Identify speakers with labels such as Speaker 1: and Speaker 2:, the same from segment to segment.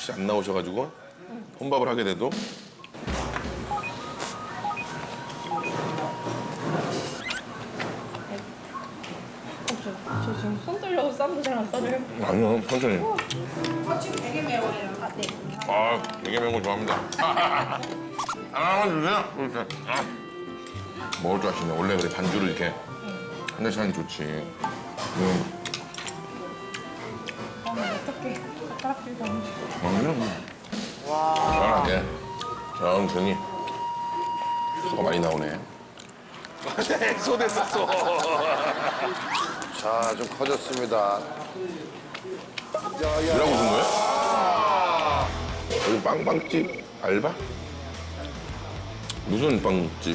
Speaker 1: 같이 안 나오셔가지고 혼밥을 하게 돼도
Speaker 2: 저 지금 손 떨려서 쌈도 잘 안 싸줘요.
Speaker 1: 아니요 천천히.
Speaker 2: 지금 되게 매워요. 아, 네.
Speaker 1: 아 되게 매운 거 좋아합니다. 하나만 주세요. 이렇게. 먹을 줄 아시네. 원래 그래 반주를 이렇게 한 잔씩 하는 게 좋지.
Speaker 2: 어떡해. 젓가락질도 안 돼.
Speaker 1: 편하게 천천히. 소가 많이 나오네.
Speaker 3: 쏟았었어.
Speaker 4: 자, 좀 커졌습니다.
Speaker 1: 뭐라고 웃은 거야? 여기 빵빵집 알바? 무슨 빵집?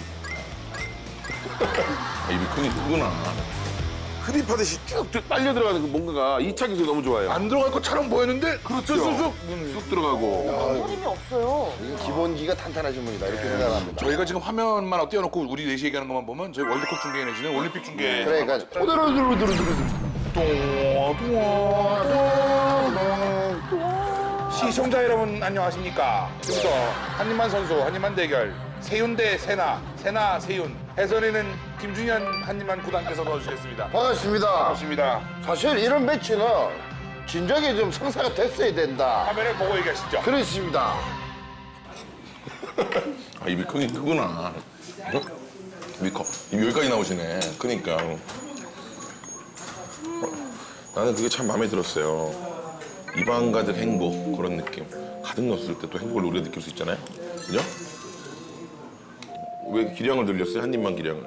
Speaker 1: 아, 입이 크구나.
Speaker 3: 흡입하듯이 쭉 빨려 들어가는 그 뭔가가 2차 기술이 너무 좋아요.
Speaker 1: 안 들어갈 것처럼 보였는데
Speaker 3: 그렇죠. 쑥쑥 들어가고.
Speaker 5: 소림이 없어요.
Speaker 4: 이게 기본기가 탄탄하신 분이다. 이렇게 생각합니다.
Speaker 6: 저희가 지금 화면만 띄워놓고 우리 넷이 얘기하는 것만 보면 저희 월드컵 중계 내지는 올림픽 중계
Speaker 4: 그러니까
Speaker 6: 시청자 여러분 안녕하십니까. 지금부터 한림만 선수 한림만 대결 세윤 대 세나, 세나 세윤 해설에는 김준현 한림만 구단께서 넣어주시겠습니다.
Speaker 4: 반갑습니다.
Speaker 6: 반갑습니다.
Speaker 4: 사실 이런 매치는 진작에 좀 성사가 됐어야 된다.
Speaker 6: 화면을 보고 얘기하시죠.
Speaker 4: 그렇습니다.
Speaker 1: 아, 입이 크긴 크구나. 입이 커. 입이 여기까지 나오시네. 그러니까. 나는 그게 참 마음에 들었어요. 입안 가득 행복 그런 느낌. 가득 넣었을 때 또 행복을 우리가 느낄 수 있잖아요. 그죠? 왜 기량을 늘렸어요? 한 입만 기량을.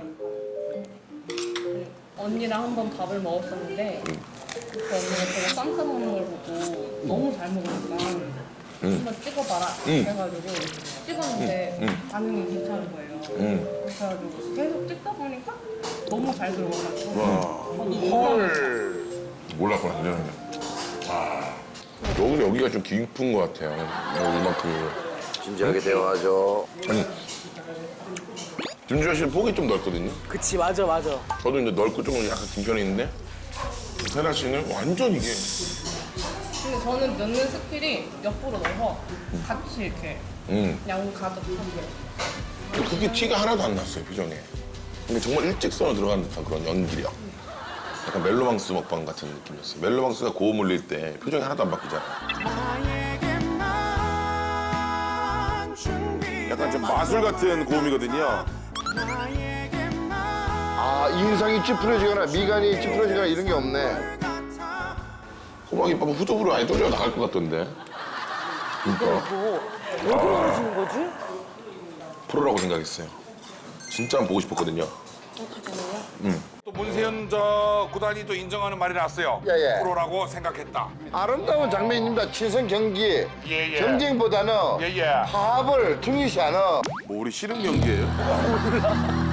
Speaker 2: 언니랑 한 번 밥을 먹었었는데 그 언니가 제가 쌈 싸먹는 걸 보고 너무 잘 먹으니까 한번 찍어봐라 그래가지고 찍었는데 반응이 괜찮은 거예요. 그래가지고 계속 찍다 보니까 너무 잘 들어가가지고
Speaker 6: 헐.
Speaker 1: 몰랐구나, 그전에. 와. 여기가 좀 깊은 것 같아요. 이만큼.
Speaker 4: 진지하게 대화하죠.
Speaker 1: 아니, 준주현 씨는 폭이 좀 넓거든요.
Speaker 5: 그치, 맞아, 맞아.
Speaker 1: 저도 이제 넓고 조금 약간 긴 편에 있는데 세나 씨는 완전 이게
Speaker 2: 근데 저는 넣는 스킬이 옆으로 넣어서 같이 이렇게 양 가득하게
Speaker 1: 그게 티가 하나도 안 났어요, 표정에. 근데 정말 일직선으로 들어간 듯한 그런 연기력. 약간 멜로망스 먹방 같은 느낌이었어요. 멜로망스가 고음 올릴 때 표정이 하나도 안 바뀌잖아.
Speaker 3: 약간 좀 마술 같은 고음이거든요.
Speaker 4: 아, 인상이 찌푸려지거나 미간이 찌푸려지거나 이런 게 없네.
Speaker 1: 호박이밥은 후두부로 아예 떨려 나갈 것 같던데. 그러니까
Speaker 5: 왜 그러시는 거지?
Speaker 1: 프로라고 생각했어요. 진짜 한번 보고 싶었거든요.
Speaker 6: 또 문세윤 저 구단이 또 인정하는 말이 나왔어요.
Speaker 4: 예, 예.
Speaker 6: 프로라고 생각했다.
Speaker 4: 아름다운 장면입니다. 친선 경기.
Speaker 6: 예, 예.
Speaker 4: 경쟁보다는
Speaker 6: 예, 예.
Speaker 4: 화합을 중요시하는
Speaker 3: 뭐 우리 씨름 경기예요?